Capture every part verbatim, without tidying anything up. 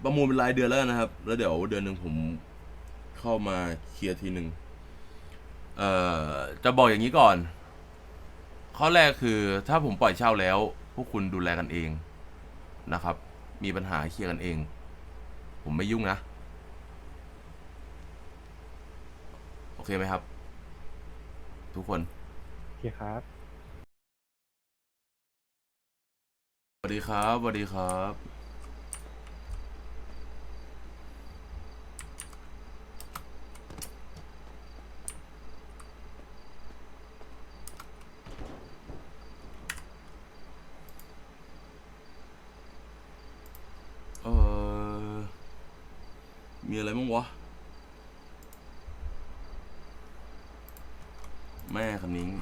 ประมูลเป็นรายเดือนแล้วกันนะครับ แล้วเดี๋ยวเดือนหนึ่งผมเข้ามาเคลียร์ทีหนึ่งเอ่อจะบอกอย่างนี้ก่อน ข้อแรกคือถ้าผมปล่อยเช่าแล้ว พวกคุณดูแลกันเองนะครับ มีปัญหาเคลียร์กันเอง ผมไม่ยุ่งนะ โอเคไหมครับ ทุกคนโอเคครับสวัสดีครับสวัสดีครับ เออมีอะไรบ้างวะ แม่คำนิ้ง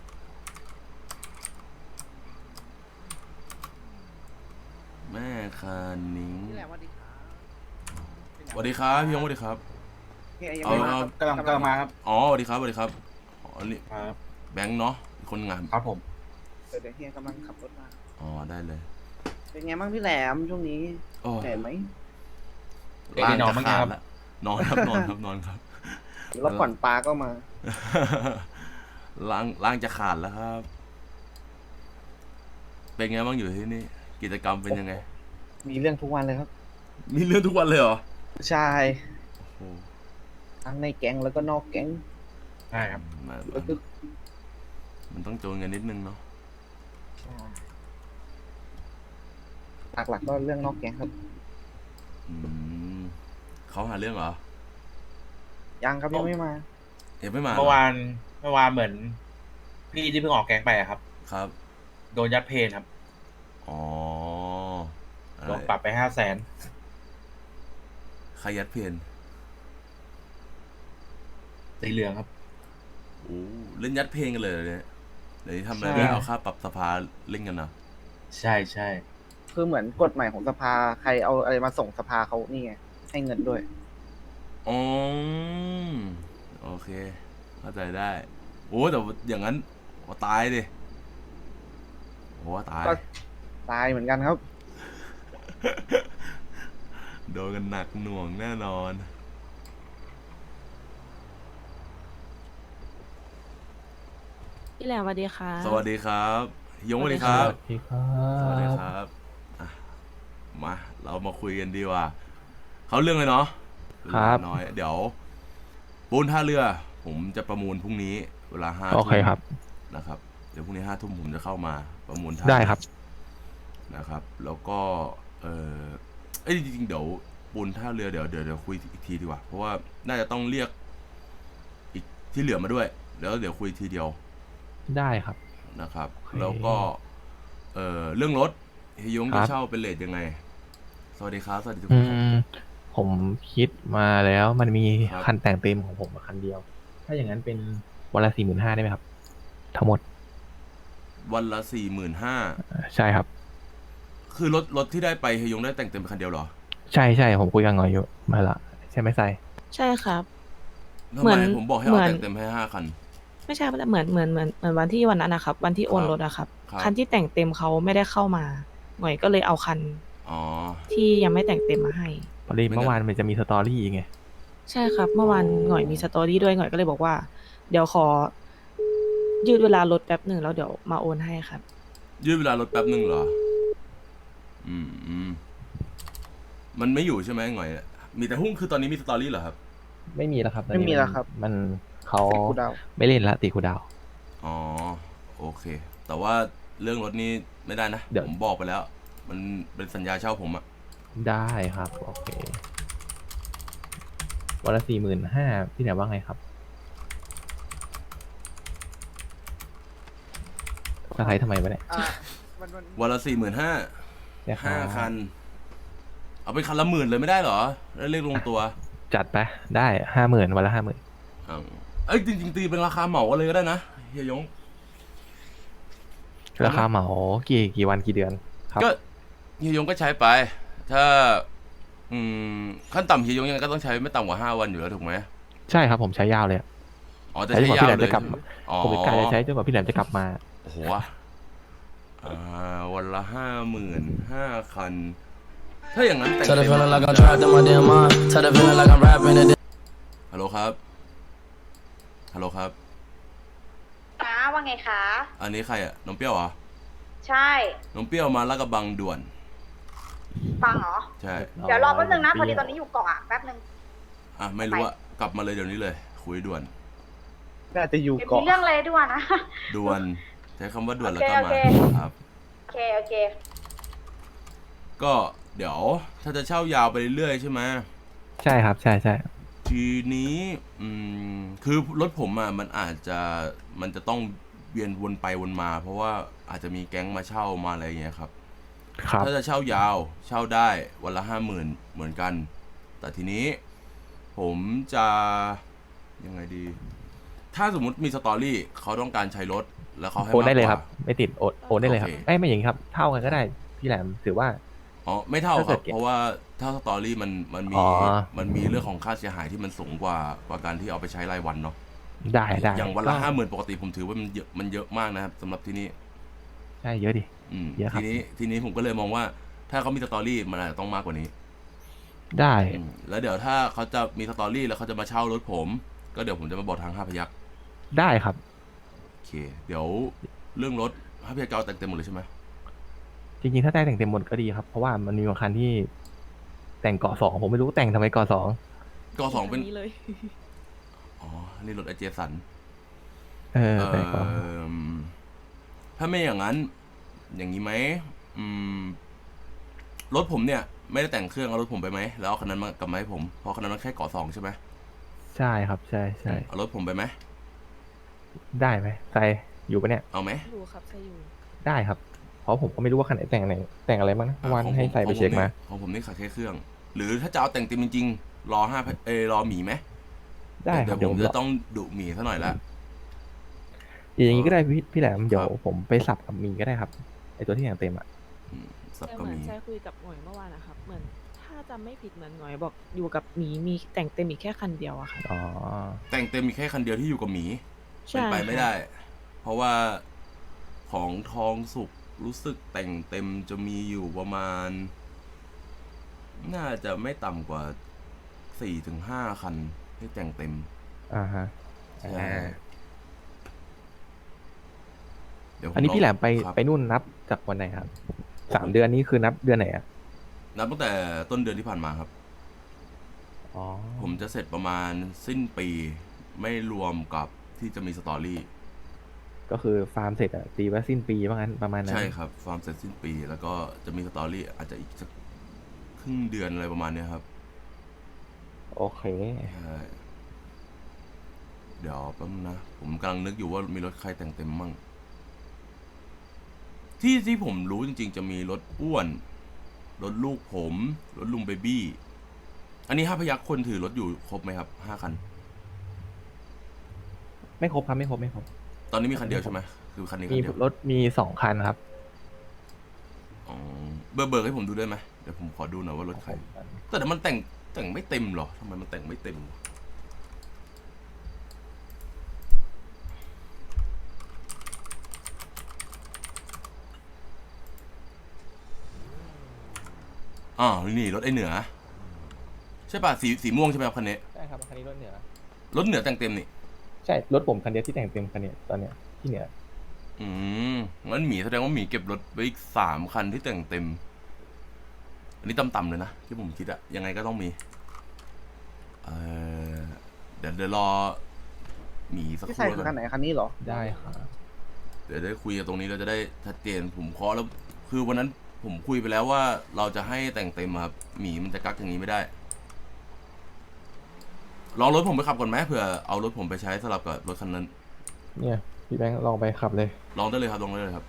แม่คานิ้งนี่แหละสวัสดีครับสวัสดีครับพี่ยงสวัสดีครับเฮ้ยยังเอาไม่มาเอาครับกำลังกำลังมาครับอ๋อสวัสดีครับสวัสดีครับอ๋อนี่ครับแบงค์เนาะอีกคนงานครับผมเดี๋ยวเดี๋ยวเฮียกำลังขับรถมาอ๋อได้เลยเป็นไงบ้างพี่แหลมช่วงนี้โอ้เหนื่อยไหมเด็กได้นอนบ้างยังครับละนอนครับนอนครับนอนครับแล้วก่อนปลาก็มาล้างล้างจะขาดแล้วครับ เป็นไงบ้างอยู่ที่นี่กิจกรรมเป็นยังไงมีเรื่องทุกวันเลยครับมีเรื่องทุกวันเลยเหรอใช่โอ้โหทั้งในแก๊งแล้วก็นอกแก๊งใช่ครับมันแล้วก็มันต้องโจนกันนิดนึงเนาะหลักๆก็เรื่องนอกแก๊งครับอืมเขาหาเรื่องเหรอยังครับยังไม่มาเอ็มไม่มาหรเมื่อวานเมื่อวานเหมือน พี่ที่เพิ่งออกแก๊งไปอะครับครับโดนยัดเพนครับอ๋ออะไรโดนปรับไปห้าแสนใครยัดเพนสีเหลืองครับโอ้เล่นยัดเพลงกันเลยเหรอเนี่ยเดี๋ยวนี้ทำอะไรใช่ไม่เอาค่าปรับสภาเล่นกันนะใช่ใช่คือเหมือนกฎใหม่ของสภาใครเอาอะไรมาส่งสภาเขานี่ไงให้เงินด้วยอ๋อโอเคเข้าใจได้โอ้แต่อย่างนั้นว่าตายดิโอ้ตายก็ ตายเหมือนกันครับโดนกันหนักหน่วงแน่นอนพี่แหลมสวัสดีค่ะสวัสดีครับยงสวัสดีครับสวัสดีครัสวัสดีบครับอ่ะมาเรามาคุยกันดีกว่าเขาเรื่องเลยเนาะครับน้อยเดี๋ยวปูนท่าเรือ ผมจะประมูลพรุ่งนี้ เวลาห้าโอทุ่เคมครับนะครับ เดี๋ยวพรุ่งนี้ห้าทุ่มผมจะเข้ามาประมูลท่าได้ครับนะครับ แล้วก็เออเอ้ยจริงๆเดี๋ยวปูนท่าเรือเดี๋ยวเดี๋ยวเดี๋ยวคุยอีกทีดีกว่า เพราะว่าน่าจะต้องเรียกอีกที่เหลือมาด้วย แล้วเดี๋ยวคุยทีเดียวได้ครับนะครับโอเคแล้วก็เออเรื่องรถเฮยงครัจะบเช่าเป็นเลทยังไง สวัสดีครับสวัสดีทุกอืคนครับม ผมคิดมาแล้วมันมีครับคันแต่งเต็มของผมคันเดียว ถ้าอย่างนั้นเป็นวันละสี่หมื่นห้าได้ไหมครับ ทั้งหมดวันละสี่หมื่นห้าใช่ครับคือรถรถที่ได้ไปเฮยงได้แต่งเต็มเป็นคันเดียวเหรอใช่ใช่ผมคุยกันงอยอยู่มาละใช่ไหมไซใช่ครับทำเหมืไมอนผมบอกให้เหมืเอาอนแต่งเต็มให้ห้าคันไม่ใช่เหมือนเหมือนเหมือนเหมือนวันที่วันนั้นนะครับ วันที่โอนครับรถอะครับครับคันที่แต่งเต็มเขาไม่ได้เข้ามา หน่อยก็เลยเอาคันอ๋อที่ยังไม่แต่งเต็มมาให้พอดีไม่งั้นเมื่อวานมันจะมีสตอรี่ไงใช่ครับ เมื่อวานหน่อยมีสตอรี่ด้วยหน่อยก็เลยบอกว่า เดี๋ยวขอ ยืดเวลารถแป๊บหนึ่งแล้วเดี๋ยวมาโอนให้ครับยืดเวลารถแป๊บหนึ่งเหรอ อืมอืมมันไม่อยู่ใช่ไหมหน่อย มีแต่หุ้งคือตอนนี้มีสตอรี่เหรอครับไม่มีแล้วครับตอนไม่นี้มีแล้วครับมันเขาติดกูดาวไม่เล่นละตีคูดาวอ๋อ โอเค แต่ว่าเรื่องรถนี่ไม่ได้นะเดี๋ยวผมบอกไปแล้ว มันเป็นสัญญาเช่าผมอะได้ครับ โอเค วันละสี่หมื่นห้าพี่แหนว่าไงครับสไทยทำไมวะเนี่ยอ่าวันวันวันละสี่หมื่นห้าเนี่ยครับห้าคัน เอาเป็นคันละหมื่นเลยไม่ได้เหรอแล้วเรียกลงตัวจัดไปได้ห้าหมื่นวันละห้าหมื่นอ่าเอ้ยจริงๆตีเป็นราคาเหมากันเลยก็ได้นะเฮียยงราคาเหมากี่กี่วันกี่เดือนครับก็เฮียยงก็ใช้ไป ถ้า อืมขั้นต่ำเฮียยงยังไงก็ต้องใช้ไม่ต่ำกว่าห้าวันอยู่แล้วถูกไหมใช่ครับผมใช้ยาวเลยอะอ๋อจะใช้จใช้นกว่าพี่แหลมยาวเลจะยกลับอ๋อผมเป็นกาจะใช้จนกว่าพี่แหลมจะกลับมาโอ้โหอ่าวันละห้าหมื่นห้าคันถ้าอย่างนั้นแต่ง Tell the เต็ม feeling like I'm trapped in my damn mind. Tell the feeling like I'm rapping it. ฮัลโหลครับฮัลโหลครับนะว่าไงคะอันนี้ใครอะน้องเปรี้ยวเหรอใช่น้องเปรี้ยวมาลาดกระบังด่วนฟังเหรอใช่เดี๋ยวรอแป๊บนึงนะ พอดีตอนนี้อยู่เกาะอะแป๊บนึงอ่ะไม่รู้อะกลับมาเลยเดี๋ยวนี้เลย คุยด่วนน่าจะอยู่เดี๋ยวมีเกาะเรื่องอะไรด้วยนะด่วนใช้คำว่าด่วนแล้วก็โอมาเคครับโอเค โอเคก็เดี๋ยวถ้าจะเช่ายาวไปเรื่อยๆใช่ไหมใช่ครับ ใช่ใช่ทีนี้อืมคือรถผมอ่ะมันอาจจะมันจะต้องเวียนวนไปวนมา เพราะว่าอาจจะมีแก๊งมาเช่ามาอะไรอย่างเงี้ยครับครับถ้าจะเช่ายาวเช่าได้วันละห้าหมื่นเหมือนกัน แต่ทีนี้ผมจะยังไงดี ถ้าสมมุติมีสตอรี่เขาต้องการใช้รถแล้วเขาให้โอนได้เลยมากกว่าครับ ไม่ติดโอนโอนได้เลยครับโอเคเอ้ยไม่อย่างนี้ครับ เท่ากันก็ได้พี่แหลมถือว่าอ๋อไม่เท่าถ้าคเกิรับดเก็บเพราะว่าถ้าสตอรี่มันมันมีอ๋อมันมีเรื่องของค่าเสียหายที่มันสูงกว่ากว่าการที่เอาไปใช้รายวันเนาะได้ได้อย่างวันละก็ห้าหมื่นปกติผมถือว่ามันเยอะมันเยอะมากนะครับสำหรับที่นี่ใช่เยอะดิอืมเยอะครัทีบนี้ทีนี้ผมก็เลยมองว่า ถ้าเขามีสตอรี่มันอาจจะต้องมากกว่านี้ได้อืมแล้วเดี๋ยวถ้าเขาจะมีสตอรี่แล้วเขาจะมาเช่ารถผม ก็เดี๋ยวผมจะมาบอกทางห้าพยักได้ครับโอเค เดี๋ยวเรื่องรถห้าพยักจะเอาแต่งเต็มหมดเลยใช่ไหมจริงๆ ถ้าได้แต่งเต็มหมดก็ดีครับ เพราะว่ามันมีบางคันที่แต่งเกาะสองผมไม่รู้แต่งทำไมเกาะสองก็สองเป็นนี้เลยอ๋อนี่รถไอเจสันเออเอแต่งเกาะอถ้าไม่อย่างนั้น อย่างนี้ไหมอืมรถผมเนี่ย ไม่ได้แต่งเครื่องเอารถผมไปไหมแล้วเอาคันนั้นมากลับมาให้ผมเพราะคันนั้นมันแค่เกาะสองใช่ไหมใช่ครับ ใช่ใช่เอารถผมไปไหมได้ไหมใส่อยู่ปะเนี่ยเอาไหมอยู่ครับใช่อยู่ได้ครับ เพราะผมก็ไม่รู้ว่าคันไหนแต่งไหนแต่งอะไรบ้างนะอ่ะวันของผมให้ใส่ไปเช็คมาของผมนี่ขาดแค่เครื่อง หรือถ้าจะเอาแต่งเต็มจริงๆรอห้าเออรอหมีไหมได้คเดี๋รัยบวเดี๋ยวผผม มจะรอต้องดุหมีซะหน่อยละอย่างนี้ก็ได้พี่พี่แหลมเดี๋ยวครับผมไปสับกับมีก็ได้ครับไอตัวที่แต่งเต็มอ่ะอืมสับแต่ก็เหมือนมีใช่คุยกับหน่วยเมื่อวานนะครับ เหมือนถ้าจำไม่ผิดเหมือนหน่วยบอกอยู่กับหมีมีแต่งเต็มอีกแค่คันเดียวอะค่ะอ๋อแต่งเต็มมีแค่คันเดียวที่อยู่กับหมีใช่เป็นไปไม่ค่ะได้ เพราะว่าของทองสุกรู้สึกแต่งเต็มจะมีอยู่ประมาณ น่าจะไม่ต่ำกว่าสี่ถึงห้าคันที่แต่งเต็มอ่าฮะใช่อ่าเดี๋ยวผมอันนี้พี่แหลมไปครับไปนู่นนับจากวันไหนครับสามเดือนนี้คือนับเดือนไหนอ่ะนับตั้งแต่ต้นเดือนที่ผ่านมาครับอ๋อผมจะเสร็จประมาณสิ้นปี ไม่รวมกับที่จะมีสตอรี่ก็คือฟาร์มเสร็จอ่ะตีว่าสิ้นปีว่างั้นประมาณนั้นใช่ครับ ฟาร์มเสร็จสิ้นปี แล้วก็จะมีสตอรี่อาจจะอีกสักครึ่งเดือนอะไรประมาณเนี้ยครับโอเคใช่ เดี๋ยวแป๊บนึงนะ ผมกำลังนึกอยู่ว่ามีรถใครแต่งเต็มมั่ง ที่ที่ผมรู้จริงๆ จะมีรถอ้วน รถลูกผม รถลุงเบบี้ อันนี้ห้าพยักคนถือรถอยู่ครบไหมครับห้าคันไม่ครบครับไม่ครบไม่ครบตอนนี้มีคันเดียวใช่ไหมคือคันนี้คัมีนเดียวรถมีสองคันครับอ๋อเบอร์เบอร์ให้ผมดูได้ไหมเดี๋ยวผมขอดูหน่อยว่ารถใคร แต่เดี๋ยวมันแต่งแต่งไม่เต็มเหรอทำไมมันแต่งไม่เต็มวะอ๋อนี่รถไอเหนือ ใช่ป่ะสีสีม่วงใช่ไหมครับคันนี้ใช่ครับคันนี้รถเหนือรถเหนือแต่งเต็มนี่ใช่รถผมคันเดียวที่แต่งเต็มคันเนี้ยตอนเนี้ยที่เหนืออืมงั้นหมีแสดงว่าหมีเก็บรถไว้อีกสามคันที่แต่งเต็ม อันนี้ต่ำๆเลยนะที่ผมคิดอะยังไงก็ต้องมี เออเดี๋ยวเดี๋ยวรอหมีสักคที่รู่ใส่แล้วคือกัคันนไหนคันนี้เหรอได้ครับเดี๋ยวได้คุยกันตรงนี้เราจะได้ชัดเจนผมเคาะแล้ว คือวันนั้นผมคุยไปแล้วว่าเราจะให้แต่งเต็มอะครับหมีมันจะกักอย่างนี้ไม่ได้ ลองรถผมไปขับก่อนไหมเผื่อเอารถผมไปใช้สลับกับรถคันนั้นเนี่ยพี่แบงค์ลองไปขับเลยลองได้เลยครับลองได้เลยครับ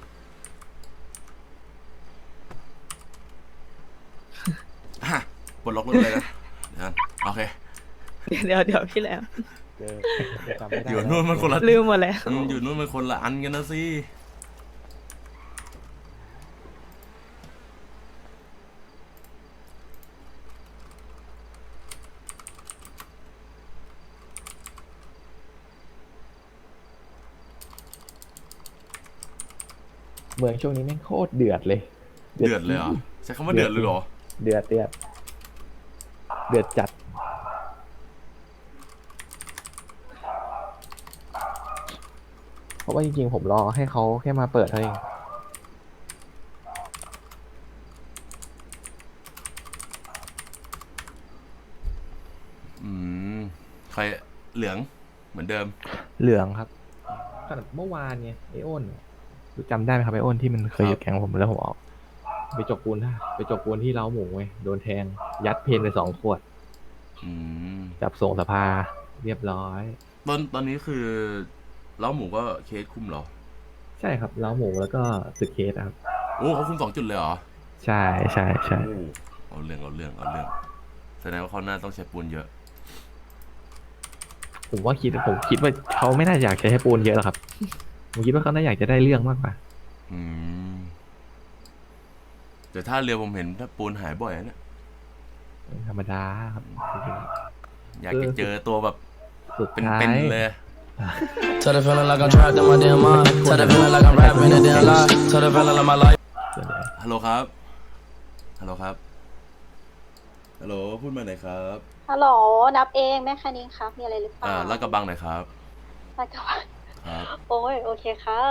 อ่ะปลดล็อกรถเลยนะเดี๋ยวนะโอเคเดี๋ยวเดี๋ยวเดี๋ยวพี่แหลมเจอจำไม่ได้อยู่นู่นมันคนละลืมหมดแล้วอืมอยู่นู่นมันคนละอันกันนะสิเมืองช่วงนี้แม่งโคตรเดือดเลยเดือดเลยเหรอใช้คำว่าเดือดเลยเหรอเดือดเดือดเดือดจัด เพราะว่าจริงๆผมรอให้เขาแค่มาเปิดเท่านั้นเองอืมใครเหลืองเหมือนเดิมเหลืองครับขนาดเมื่อวานไงไอโอนรู้จำได้ไหมครับไอโอนที่มันเคยอยู่แก๊งผมแล้วผมออก ไปจกปูนท่าไปจกปูนที่เล้าหมูไงโดนแทง ยัดเพนไปสองขวดอืมจับส่งสภาเรียบร้อยตอนตอนนี้คือเล้าหมูก็เคสคุมเหรอใช่ครับเล้าหมูแล้วก็ตึกเคสครับโอ้เขาคุมสองจุดเลยเหรอใช่ใช่ใช่โอ้เอาเรื่องเอาเรื่องเอาเรื่องแสดงว่าเขาน่าต้องใช้ปูนเยอะผมว่าคิดผมคิดว่าเขาไม่น่าอยากใช้ให้ปูนเยอะหรอกครับ ผมคิดว่าเขาน่าอยากจะได้เรื่องมากกว่าอืมแต่ถ้าเรือผมเห็นถ้าปูนหายบ่อยนะเนี่ยธรรมดาครับจริงอยากจะเจอตัวแบบๆสุดเป็นท้ายเป็นเลย Tell the feeling like I'm trapped in my damn mind. Tell the feeling like I'm rapping a damn lie. Tell the feeling like my life. ส่วนใหญ่ฮัลโหลครับ ฮัลโหลครับ ฮัลโหลพูดมาหน่อยครับฮัลโหลนับเองแม่คันนิ้งครับมีอะไรหรือเปล่าอ่าลาดกระบังหน่อยครับลาดกระบังครับโอ้ยโอเคครับ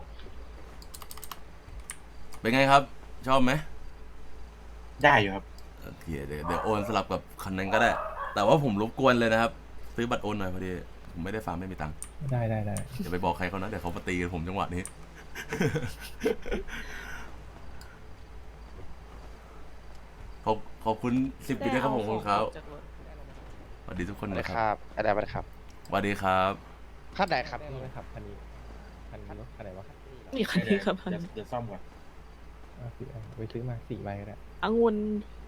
เป็นไงครับ ชอบไหมได้อยู่ครับโอเคเดี๋ยวเดี๋ยวโอนสลับกับคันนั้นก็ได้ แต่ว่าผมรบกวนเลยนะครับ ซื้อบัตรโอนหน่อยพอดีผมไม่ได้ฟาร์มไม่มีตังค์ได้ได้ได้อย่าไปบอกใครเขานะเดี๋ยวเขามาตีกันผมจังหวะนี้ ขอบขอบคุณสิบปีด้วยครับผมคุณครับสวัสดีทุกคนนะครับอะไรไปครับสวัสดีครับขั้นไหนครับได้ไหมครับคันนี้คันนี้รถคันไหนวะมีคันนี้ครับเดี๋ยวเดี๋ยวซ่อมก่อนเอาสิเอาไปซื้อมาสี่ใบก็ได้องุ่น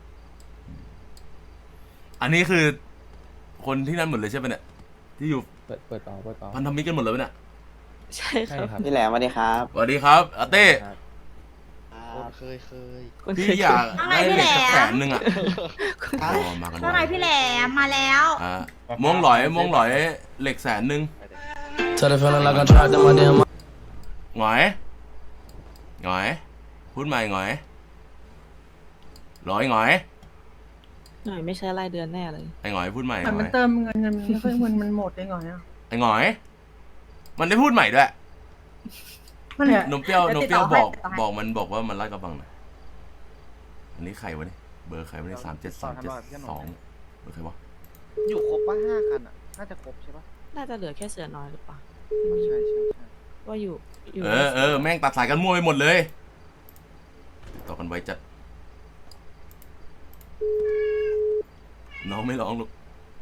อันนี้คือ คนที่นั่นหมดเลยใช่ไหมเนี่ยที่อยู่เปิดเปิดต่อเปิดต่อพันธมิตรกันหมดเลยไหมเนี่ยใช่ใช่ครับครับพี่แหลมสวัสดีครับสวัสดีครับอาเต้เคยเคยคนพี่เคยอยากได้เหล็กสักแสนหนึ่งอ่ะอ๋อมากันว่าไงพี่แหลมมาแล้วอ่ะม่วงหลอยม่วงหลอยเหล็กแสนหนึ่ง Tell the feeling like I'm trapped in my damn mind. หงอยหงอยพูดใหม่หงอยร้อยหงอยหน่อยไม่ใช่รายเดือนแน่เลยไอ้หงอยพูดใหม่หแต่งมัอน ยเติมเงินเงินไม่ค่อยเงินมันหมดได้ไงอ่ะไอ้หงอย มันได้พูดใหม่ด้วยมันเนี่ยนมเปรี้ยวนมเปรี้ยวเดี๋บยวอกติดต่อให้บอกมันบอกว่ามันไล่กระบังหน่อยอันนี้ใครวะเนี่ยเบอร์ใครวะเนี่ยสามเจ็ดสามเจ็ดสองเบอร์ใครวะอยู่ครบป่ะห้าคันอ่ะ น่าจะครบใช่ป่ะน่าจะเหลือแค่เสือน้อยหรือเปล่าใช่ใช่ใช่ว่าอยู่อยู่เออเออแม่งตัดสายกันมั่วไปหมดเลย ต่อกันไว้จัด น้องไม่ร้องลูก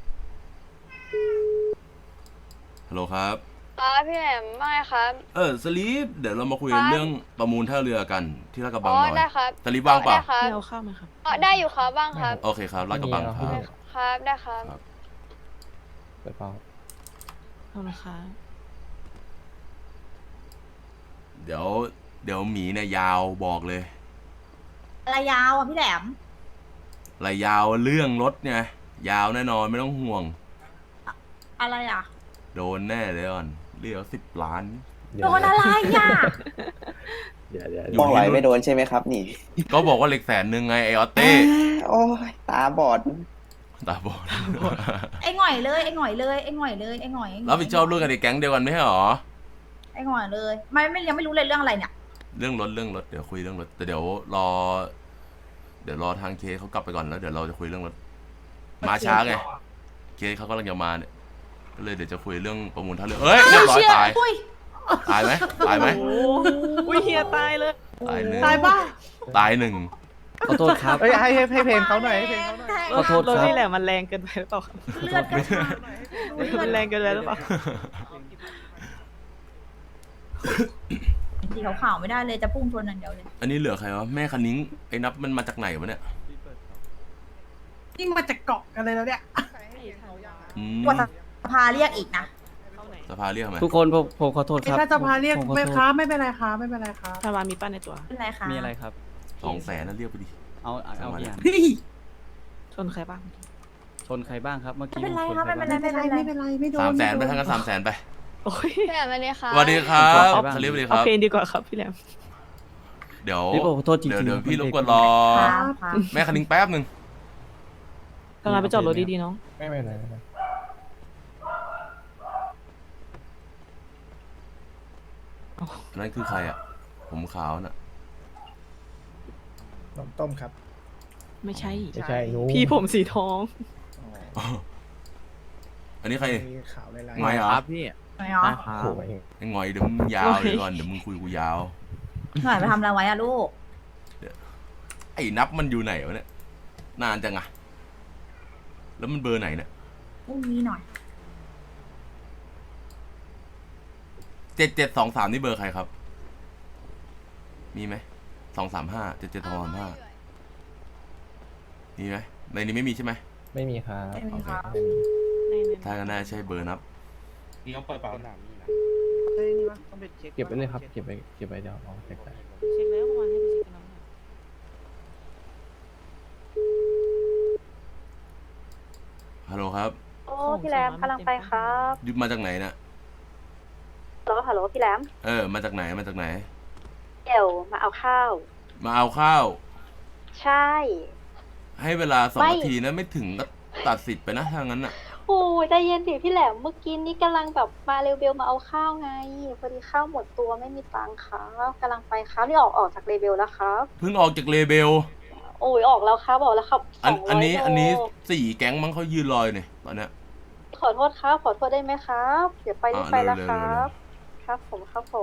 ฮัลโหลครับครับพี่แหลมไม่ครับเออสลีปเดี๋ยวเรามาคุยกันครับเรื่องประมูลท่าเรือกันที่ลาดกระบัอ๋งอหน่อยได้ครับสลีปว่างเปล่าได้ครับพี่เอาข้าวไหมครับอ๋อได้อยู่ครับบ้างครับโอเคครับลาดกระบังครับครับได้ครับเปิดต่อเอาละครับเดี๋ยวเดี๋ยวหมีเนี่ยยาวบอกเลยอะไรยาวอ่ะพี่แหลมรายยาวเรื่องรถไงยาวแน่นอนไม่ต้องห่วงอะไรอ่ะโดนแน่เลยอ่อนเรียกสิบล้านโดนอะไรอ่ะเดี๋ยวเดี๋ยวอยู่มองไหลไม่โดนใช่ไหมครับนี่ก็บอกว่าเหล็กแสนหนึ่งไงไอออตเต้โอ้ยตาบอดตาบอดไอ้หง่อยเลยไอ้หง่อยเลยไอ้หง่อยเลยไอ้หง่อยไอ้หง่อยรับผิดชอบเรื่องกันในแก๊งเดียวกันไม่ใช่หรอไอ้หง่อยเลยไม่ไม่ยังไม่รู้เลยเรื่องอะไรเนี่ยเรื่องรถเรื่องรถเดี๋ยวคุยเรื่องรถแต่เดี๋ยวรอ เดี๋ยวรอทางเคเขากลับไปก่อนแล้วเดี๋ยวเราจะคุยเรื่องรถมาช้าไงเคเขากำลังจะมาเนี่ยก็เลยเดี๋ยวจะคุยเรื่องประมูลท่าเรือเอ้ยเรียบร้อยตายอุ้ยตายไหมตายไหมโอ้อุ้ยเฮียตายเลยตายหนึ่งตายป่ะตายหนึ่งขอโทษครับเอ้ยให้ให้ให้เพลงเขาหน่อยให้เพลงเขาหน่อยขอโทษรถครับนี่แหละมันแรงเกินไปหรือเปล่าครับเลือดกระชากมันแรงเกินไปหรือเปล่าสีขาวๆไม่ได้เลยจะพุ่งชนอย่างเดียวเลยอันนี้เหลือใครวะแม่คันนิ้งไอ้นับมันมาจากไหนวะเนี่ยยิ่งมาจากเกาะกันเลยแล้วเนี่ยอืมกว่าสภาเรียกอีกนะเข้าไหนสภาเรียกทำไมทุกคนผมผมขอโทษครับถ้าจะพาเรียกผมขอไม่โทษค้าไม่เป็นไรครับไม่เป็นไรครับทาวามีป้าในตัวเป็นไรคะมีอะไรครับสองแสนนั่นเรียกไปดิเอาเอาเอาอย่างเฮ้ยชนใครบ้างชนใครบ้างครับ เมื่อไม่กี้เป็นไรชนครับใครไม่เป็นบ้างไรไม่เป็นไรไม่เป็นไรไม่โดนสามแสนไปม่โดทั้งกันสามแสนไปโอ้ยพี่แหลมสวัสดีครับสวัสดีครับขอบคุณครับสลีปสวัสดีคเอารับเพลงดีกว่าครับพี่แหลมเดี๋ยวพี่ผมขอโทษจริงๆเดี๋ยวเดี๋ยวมันพี่รบเด็กกวนรอครับครับแม่คณิงแป๊บหนึ่งกำลังไปจอดรถดีๆน้องไม่ไม่ไม่ไม่นั่นคือใครอ่ะ ผมขาวน่ะนมต้มครับไม่ใช่ไม่ใช่หนูพี่ผมสีทองอันนี้ใครมีขาวลายไงเหรอครับพี่หน่อยเหรอครับโอ้ยไอ้งอยเดี๋ยวมึงยาวเดี๋ยวก่อนเดี๋ยวมึงคุยกูยาวหน่อยไปทำอะไรไว้อะลูกไอ้นับมันอยู่ไหนวะเนี่ย นานจังอะแล้วมันเบอร์ไหนเนี่ยพรุ่งนี้หน่อยเจ็ดเจ็ดสองสามนี่เบอร์ใครครับ มีไหมสองสามห้าเจ็ดเจ็ดสองสามห้ามีไหมในนี้ไม่มีใช่ไหมไม่มีครับไม่มีครับไม่มีถ้าก็น่าใช่เบอร์นับนี่ต้องเปิดเปล่าเฮ้ยนี่วะต้องไปเช็คเก็บไว้เลยครับเก็บไว้เก็บไว้เดี๋ยวเอาแจกจ่ายเช็คแล้วเมื่อวานให้ไปเช็คกันน้องฮัลโหลครับโอ้พี่แรมกำลังไปครับยุบมาจากไหนน่ะฮัลโหลฮัลโหลพี่แรมเออ มาจากไหนมาจากไหนเดี๋ยวมาเอาข้าวมาเอาข้าวใช่ให้เวลาสองไม่นาทีนะไม่ถึงก็ตัดสิทธิ์ไปนะถ้างั้นน่ะโอ้ยใจเย็นดิพี่แหลมเมื่อกี้นี้กำลังแบบมาเร็วเบลมาเอาข้าวไงพอดีข้าวหมดตัวไม่มีตังค์ครับกำลังไปครับนี่ออกออกจากเรเบลแล้วครับเพิ่งออกจากเลเบลโอ้ยออกแล้วครับออกแล้วครับสอันองร้อันอยนี้โลอันนี้สี่แก๊งมั้งเขายืนรออยู่เนี่ยตอนเนี้ยขอโทษครับขอโทษได้ไหมครับเดี๋ยวไปรีบอ่าไปแล้วเร็วๆครับเร็วครับผมครับผม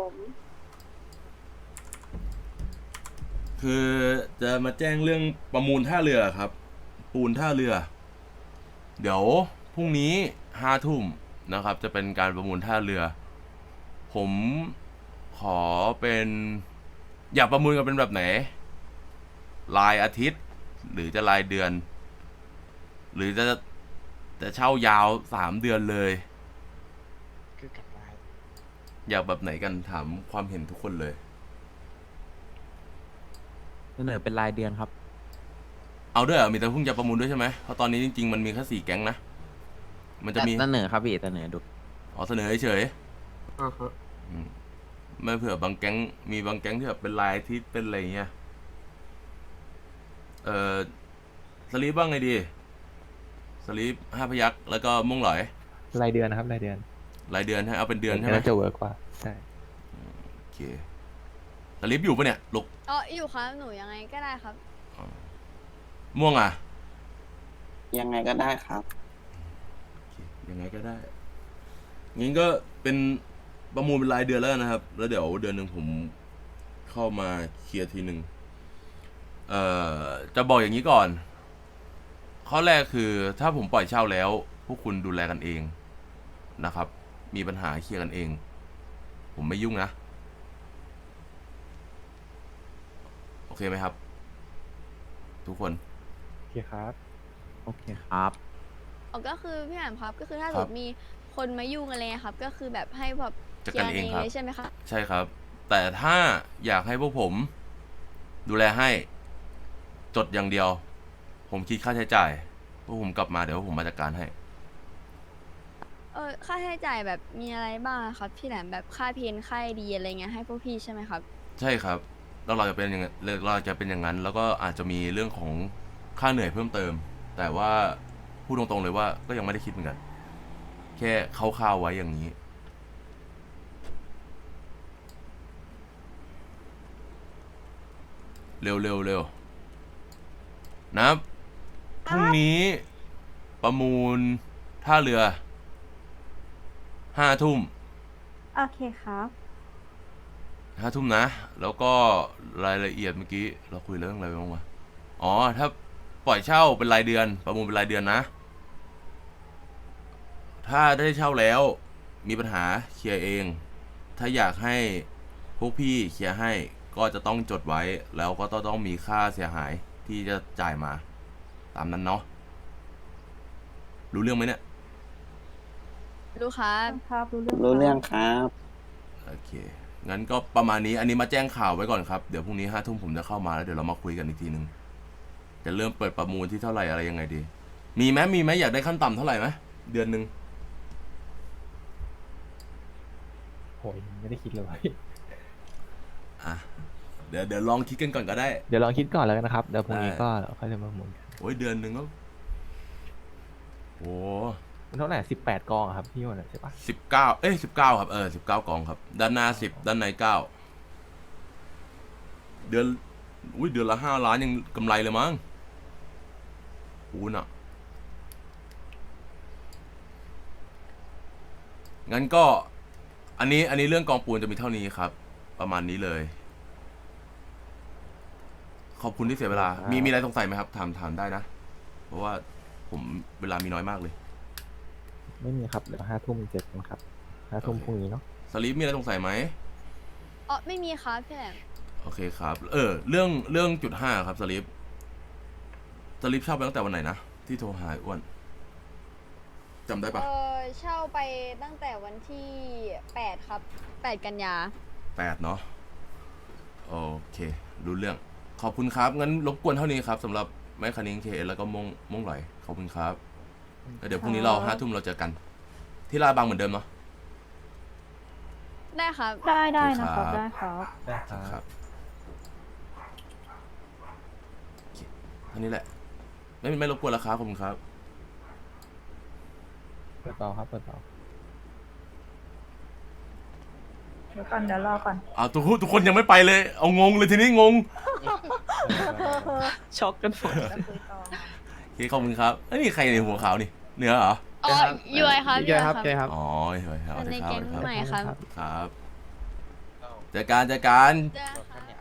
คือจะมาแจ้งเรื่องประมูลท่าเรือครับ ปูนท่าเรือ เดี๋ยวพรุ่งนี้ห้าทุ่มนะครับ จะเป็นการประมูลท่าเรือ ผมขอเป็น อยากประมูลกันเป็นแบบไหนรายอาทิตย์ หรือจะรายเดือน หรือจะจะเช่ายาวสามเดือนเลย อยากแบบไหนกันถามความเห็นทุกคนเลยเสนอเป็นรายเดือนครับเอาด้วยเหรอมีแต่เพิ่งจะประมูลด้วยใช่ไหมเพราะตอนนี้จริงๆมันมีแค่สี่แก๊งนะ มันจะมีเสนอครับพี่เสนอดูอ๋อเสนอเฉยๆอืมไม่เผื่อบางแก๊งมีบางแก๊งที่แบบเป็นลายที่เป็นอะไรเงี้ย เออสลีปบ้างไงดี สลีปห้าพยักแล้วก็ม่วงหลอยรายเดือนนะครับรายเดือนรายเดือนให้เอาเป็นเดือนใช่ไหมน่าจะเวิร์กกว่าใช่โอเคสลีปอยู่ปะเนี่ยลูกอ๋ออยู่ครับหนูยังไงก็ได้ครับม่วงอ่ะยังไงก็ได้ครับยังไงก็ได้ งั้นก็เป็นประมูลเป็นรายเดือนแล้วนะครับ แล้วเดี๋ยวเดือนหนึ่งผมเข้ามาเคลียร์ทีหนึ่งเอ่อ จะบอกอย่างนี้ก่อน ข้อแรกคือถ้าผมปล่อยเช่าแล้ว พวกคุณดูแลกันเองนะครับ มีปัญหาเคลียร์กันเอง ผมไม่ยุ่งนะ โอเคไหมครับ ทุกคนโอเคครับโอเคครับอ๋อก็คือพี่แหม่มครับก็คือถ้าคสรัมบมติมีคนมายุ่งอะไรเงี้ยครับ ก็คือแบบให้แบบจัดเคลีกาย รร์เองเองครับเลยใช่ไหมครับใช่ครับ แต่ถ้าอยากให้พวกผม ดูแลให้ จดอย่างเดียว ผมคิดค่าใช้จ่ายพวกผมกลับมาเดี๋ยวผมมาจัดการให้เออค่าใช้จ่ายแบบมีอะไรบ้างครับพี่แหลมแบบค่าเพนค่าดีอะไรเงี้ยให้พวกพี่ใช่ไหมครับใช่ครับแล้วเราจะเป็นอย่างนั้นเราจะเป็นอย่างนั้น แล้วก็อาจจะมีเรื่องของค่าเหนื่อยเพิ่มเติม แต่ว่าพูดตรงๆเลยว่าก็ยังไม่ได้คิดเหมือนกัน แค่คร่าวๆไว้อย่างนี้ เร็วเร็วเร็วนะครับพรุ่งนี้ประมูลท่าเรือห้าทุ่มโอเคครับห้าทุ่มนะ แล้วก็รายละเอียดเมื่อกี้เราคุยเรื่องอะไรไปบ้างวะอ๋อ ถ้าปล่อยเช่าเป็นรายเดือน ประมูลเป็นรายเดือนนะ ถ้าได้เช่าแล้วมีปัญหาเคลียร์เอง ถ้าอยากให้พวกพี่เคลียร์ให้ก็จะต้องจดไว้ แล้วก็ต้องต้องมีค่าเสียหายที่จะจ่ายมา ตามนั้นเนาะ รู้เรื่องไหมเนี่ยรู้ครับครับรู้เรื่องรู้เรื่องครับโอเค งั้นก็ประมาณนี้ อันนี้มาแจ้งข่าวไว้ก่อนครับ เดี๋ยวพรุ่งนี้ห้าทุ่มผมจะเข้ามาแล้วเดี๋ยวเรามาคุยกันอีกทีนึง จะเริ่มเปิดประมูลที่เท่าไหร่อะไรยังไงดี มีไหมมีไหมอยากได้ขั้นต่ำเท่าไหร่ไหมเดือนหนึ่งโหยไม่ได้คิดเลยอ่ะเดี๋ยวเดี๋ยวลองคิดกันก่อนก็ได้เดี๋ยวลองคิดก่อนแล้วกันนะครับ เดี๋ยวพรุ่งนี้ได้ก็ค่อยจะมาหมุนกันโอ้ยเดือนหนึ่งก็โอ้มันเท่าไหร่สิบแปดกองอะครับพี่วันใช่ปะสิบเก้าเอ้ยสิบเก้าครับเออสิบเก้ากองครับ ด้านหน้าสิบด้านในเก้าเดือนอุ้ยเดือนละห้าล้านยังกำไรเลยมั้งคูณอ่ะงั้นก็อันนี้อันนี้เรื่องกองปูนจะมีเท่านี้ครับ ประมาณนี้เลย ขอบคุณที่เสียเวลา มีมีอะไรสงสัยไหมครับถามถามได้นะ เพราะว่าผมเวลามีน้อยมากเลยไม่มีครับเดี๋ยวห้าทุ่มเจ็ดกันครับห้าทุ่มโอเคพรุ่งนี้เนาะสลีปมีอะไรสงสัยไหมอ๋อไม่มีครับพี่แหลมโอเคครับ เออ เรื่องเรื่องจุดห้าครับสลิปสลิปเช่าไปตั้งแต่วันไหนนะ ที่โทรหาอ้วนจำได้ปะเออเช่าไปตั้งแต่วันที่แปดครับแปดกันยาแปดเนาะโอเครู้เรื่อง ขอบคุณครับ งั้นรบกวนเท่านี้ครับสำหรับไม้คันนิ้งเคแล้วก็มงมงไหลขอบคุณครับแล้วเดี๋ยวพรุ่งนี้เราห้าทุ่มเราเจอกัน ที่ลาดบางเหมือนเดิมเนาะได้ครับได้ได้นะคครัรับ บได้ครับได้คครัรับบ โอเคเท่านี้แหละ ไม่ไม่รบกวนแล้วครับขอบคุณครับเปิดต่อครับเปิดต่อเดี๋ยวก่อนเดี๋ยวรอก่อนอ้าวทุกคนทุกคนยังไม่ไปเลย เอางงเลยทีนี้งงช็อกกันหมดจะคุยต่อโอเคขอบคุณครับเอ้ยนี่ใครในหัวขาวนี่เนื้อเหรออ๋อยูไอครับพี่แกครับแกครับอ๋อเฮ้ยเอาในเถอะครับแก๊งเอาเถอะครับใหม่ครับครับเจอกันเจอกันได้ค่ะ